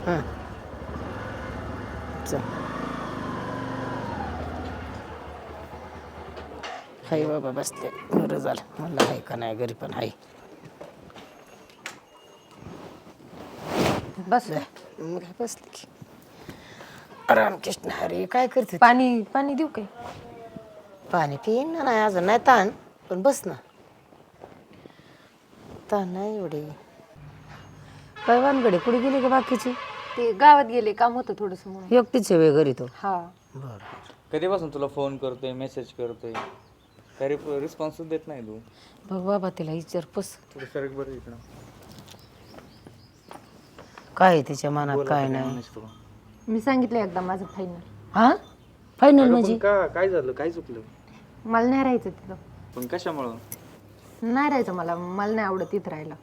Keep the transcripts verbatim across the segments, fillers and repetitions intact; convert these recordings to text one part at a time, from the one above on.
हां चल हाय बाबा बसले बरं झालं म्हणलं आहे का नाही घरी पण आहे बस मग बसले की रामकृष्ण हरी काय करते पाणी पाणी देऊ काय? पाणी पिईन ना नाही अजून नाही ताण पण बस ना ताण नाही एवढी काय वानगडे कुठे गेली का बाकीची ते गावात गेले काम होतं थोडस म्हणून. एकटीच आहे वेळ घरी तो हा बरं कधीपासून तुला फोन करतोय मेसेज करतोय काही रिस्पॉन्सच देत नाही तू. बघ बाबा तिला विचार पस थोडं सरक बरं इकडं. काय आहे तिच्या मनात बोला काय आता नाही म्हणायचं तुला. मी सांगितलं एकदा माझं फायनल. हा फायनल अगं म्हणजे पण का काय झालं काय चुकलं मला नाही राहायचं तिथं. पण कशामुळं नाही राहायचं मला मला नाही आवडत तिथं राहायला.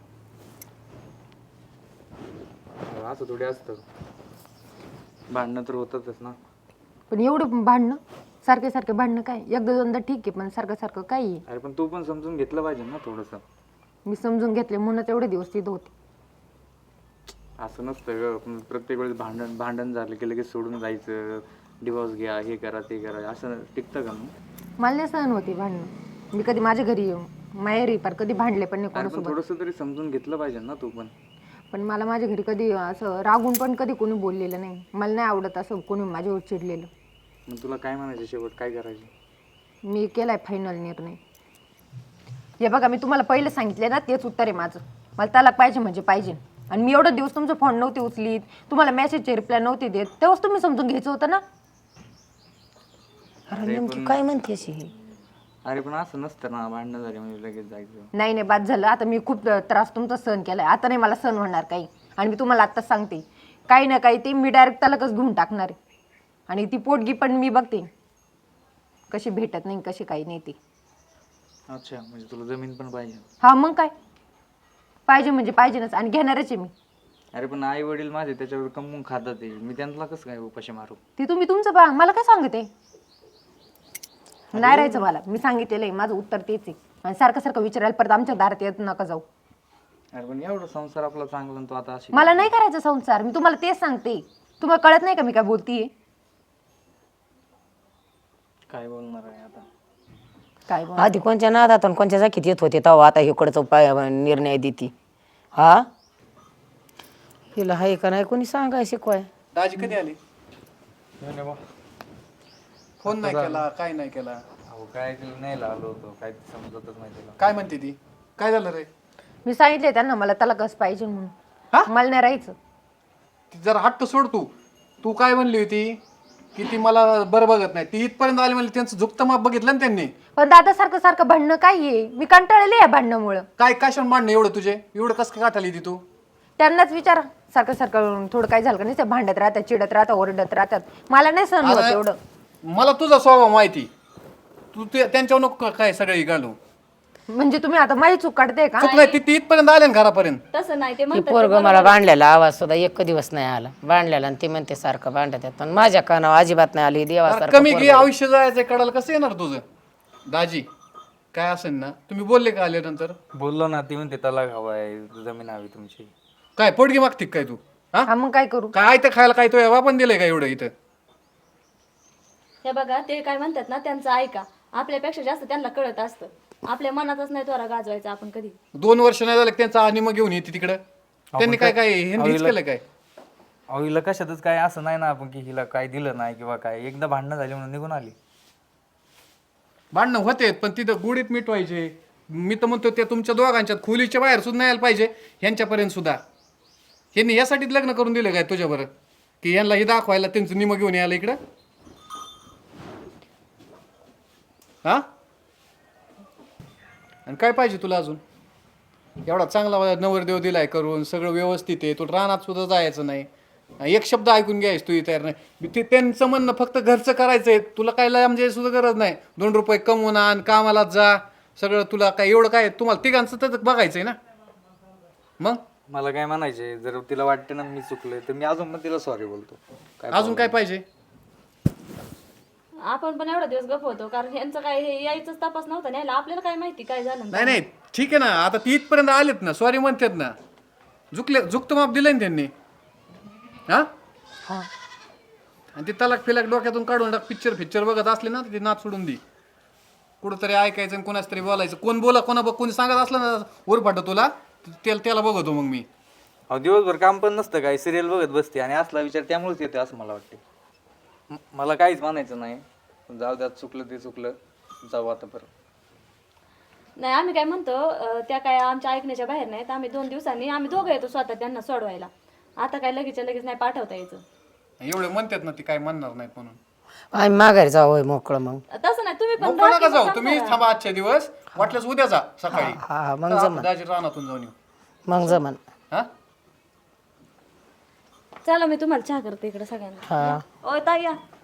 असं थोडी असतं भांडणं तर होतातच ना. पण एवढं भांडणं सारखे सारखे भांडणं काय एकदा दोनदा ठीक आहे पण सारखं सारखं काय आहे. अरे पण तू पण समजून घेतलं पाहिजे ना थोडंसं. मी समजून घेतले म्हणूनच एवढे दिवस तिथं होते. असं नसतं ग पण प्रत्येक वेळेस भांडण भांडण झालं की लगेच सोडून जायचं डिवोर्स घ्या हे करा ते करा असं टिकतं का मग. मला नाही सहन होती भांडणं. मी कधी माझ्या घरी माहेरी पार कधी भांडले पण नाही अरे पण कोणासोबत. थोडंसं तरी समजून घेतलं पाहिजे ना तू पण. पण मला माझ्या घरी कधी असं रागून पण कधी कोणी बोललेलं नाही. मला नाही आवडत असं कोणी माझ्यावर चिडलेलं. मग तुला काय म्हणायचं शेवट काय करायचं. मी केलाय फायनल निर्णय. हे बघा मी तुम्हाला पहिलं सांगितले ना तेच उत्तर आहे माझं. मला तलाक पाहिजे म्हणजे पाहिजे. आणि मी एवढा दिवस तुमचा फोन नव्हते उचलीत तुम्हाला मेसेजचे रिप्लाय नव्हते देत तेव्हाच तुम्ही समजून घ्यायचं होतं ना. अरे नेमकी काय म्हणते अशी ही अरे पण असं नसतं ना भांडणं झाली म्हणजे लगेच जायचं. नाही नाही बाद झालं आता मी खूप त्रास तुमचा सहन केलाय आता नाही मला सहन होणार काही. आणि मी तुम्हाला आत्ताच सांगते काही ना काही ते मी डायरेक्ट तलाकच घेऊन टाकणार आहे. आणि ती पोटगी पण मी बघते कशी भेटत नाही कशी काही नाही ती. अच्छा म्हणजे तुला जमीन पण पाहिजे. हा मग काय पाहिजे म्हणजे पाहिजेच आणि घेणारच आहे मी. अरे पण आई वडील माझे त्याच्यावर कमवून खातात ते मी त्यांना कसं काय उपाशी मारू. ती तुम्ही तुमचं पहा मला काय सांगते नाही राहायचं मला. मी सांगितलेलं आहे माझं उत्तर तेच आहे. आणि सारखं सारखं विचारायला परत आमच्या दारात येत नका जाऊ. अरे पण एवढं संसार आपला चांगला तो आता अशी मला नाही करायचा संसार. मी तुम्हाला तेच सांगते. तुम्हाला कळत नाही का मी काय बोलतीये. काय बोलणार आहे आता. काय बोल आधी कोणच्या नादात आणि कोणच्या जाकीत येत होते तेव्हा आता इकडचा उपाय निर्णय देते हा हिला हाय का नाही कोणी सांगाय शिकवाय. दाजी कधी आली? फोन नाही केला काय नाही केला. अहो काय केलं नाही आलो होतो काय समजतच नाही तुला. काय म्हणते ती? काय झालं रे? मी सांगितले त्यांना मला तलाकच पाहिजे हा? म्हणून. मला नाही राहायचं. ती जरा हट्ट सोड तू. तू काय म्हणली होती की ती मला बरं बघत नाही. ती इथपर्यंत आली म्हणली त्यांचं झुकतं माप बघितलं ना त्यांनी. पण दादा सारखं सारखं भांडणं काय आहे. मी कंटाळले या भांडणामुळं. काय कशाला मांडणं एवढं तुझे एवढं कसं काय काठाली ती तू? त्यांनाच विचारा सारखं सारखं थोडं काय झालं का नाही ते भांडत राहतात चिडत राहतात ओरडत राहतात. मला नाही सहन होत आता एवढं. मला तुझा स्वभाव माहिती. तू ते त्यांच्यावर नको काय सगळे घालू. म्हणजे तुम्ही आता माझी चूक काढते का. चुक नाही ती ती इथपर्यंत आले ना घरापर्यंत. तसं नाही ते ती म्हणतात पोरग मला भांडलेला आवाज सुद्धा एक दिवस नाही आला भांडलेला आणि ती म्हणते सारखं भांडत आहेत पण माझ्या कानावर अजिबात नाही आली अरे देवासारखं कमी पोरगं घे आहे. आयुष्य जायचं कडाल कसं येणार तुझं? दाजी काय असेल ना तुम्ही बोलले का आल्यानंतर? बोललो ना ती म्हणते तलाक हवाय जमीन हवी तुमची. काय पोटगी मागते काय तू? हा हा मग काय करू. काय आयतं खायला काय तो एव्हा पण दिलंय का एवढं इथं? हे बघा ते काय म्हणतात ना त्यांचं ऐका आपल्यापेक्षा जास्त त्यांना कळत असतं. आपल्या मनातच नाही त्वरा गाजवायचा आपण कधी. दोन वर्ष नाही झालं की त्यांचा आणि मग घेऊन येते तिकडं. त्यांनी काय काय हेच केलं काय? अहो हिला कशातच काय असं नाही ना आपण की हिला काय दिलं नाही किंवा काय एकदा भांडणं झाली म्हणून निघून आली. भांडणं होते पण तिथं गुडीत मिटवायचे. मी तर म्हणतो त्या तुमच्या दोघांच्यात खोलीच्या बाहेर सुद्धा यायला पाहिजे ह्यांच्यापर्यंत सुद्धा. ह्यांनी यासाठीच लग्न करून दिलं काय तुझ्याबरोबर की यांना हे दाखवायला त्यांचं निम घेऊन यायला इकडं. हा आणि काय पाहिजे तुला अजून? एवढा चांगला नवरदेव दिलाय करून सगळं व्यवस्थित आहे. तुला रानात सुद्धा जायचं नाही. एक शब्द ऐकून घ्यायच तू तयार नाही. ते त्यांचं म्हणणं फक्त घरचं करायचंय. तुला काय म्हणजे सुद्धा गरज नाही. दोन रुपये कमवून आण कामाला जा सगळं तुला काय एवढं काय तुम्हाला तिघांचं तर बघायचंय ना. मग मला काय म्हणायचे जर तिला वाटतं ना मी चुकलोय तर मी अजून पण तिला सॉरी बोलतो. काय अजून काय पाहिजे? आपण पण एवढा दिवस गप होतो कारण यांचं काय हे यायचंच तपास नव्हता न्यायला आपल्याला काय माहिती काय झालं. नाही नाही ठीक आहे ना. आता ती इथपर्यंत आलेत ना सॉरी म्हणतात ना. झुकले झुकतं माप दिलंय ना त्यांनी. हा हा आणि ते तलाक फिलाक डोक्यातून काढून टाक. पिक्चर पिक्चर बघत असले ना ते नाच सोडून दे. कुठंतरी ऐकायचं आणि कोणाच तरी बोलायचं. कोण बोला कोणा बघ कोणी सांगत असलं ना उरफाट तुला त्याला त्याला बघतो मग मी. अहो दिवसभर काम पण नसतं काय, सिरियल बघत बसते आणि असला विचार त्यामुळेच येतो असं मला वाटते. म- मला काहीच म्हणायचं नाही, जाऊ द्या चुकलं ते चुकलं, जाऊ आता परत. नाही आम्ही काय म्हणतो अं, त्या काय आमच्या ऐकण्याच्या बाहेर नाहीत. आम्ही दोन दिवसांनी आम्ही दोघं येतो स्वतः त्यांना सोडवायला. आता काय लगेच लगेच नाही पाठवता यायचं. एवढे म्हणतात ना ती काय म्हणणार नाहीत म्हणून. आम्ही माघारी जाऊ होय मोकळं मग. तसं नाही तुम्ही पण नको राहा नका की जाऊ मग तुम्ही थांबा. थांबा आजच्या दिवस. वाटल्यास उद्या जा सकाळी. हा हा मग तर जमन आपण दाजी रानातून जाऊन येऊ. मग जमन. हा चला मी तुम्हाला चहा करते इकडे सगळ्यांना. हा ओ ताई या.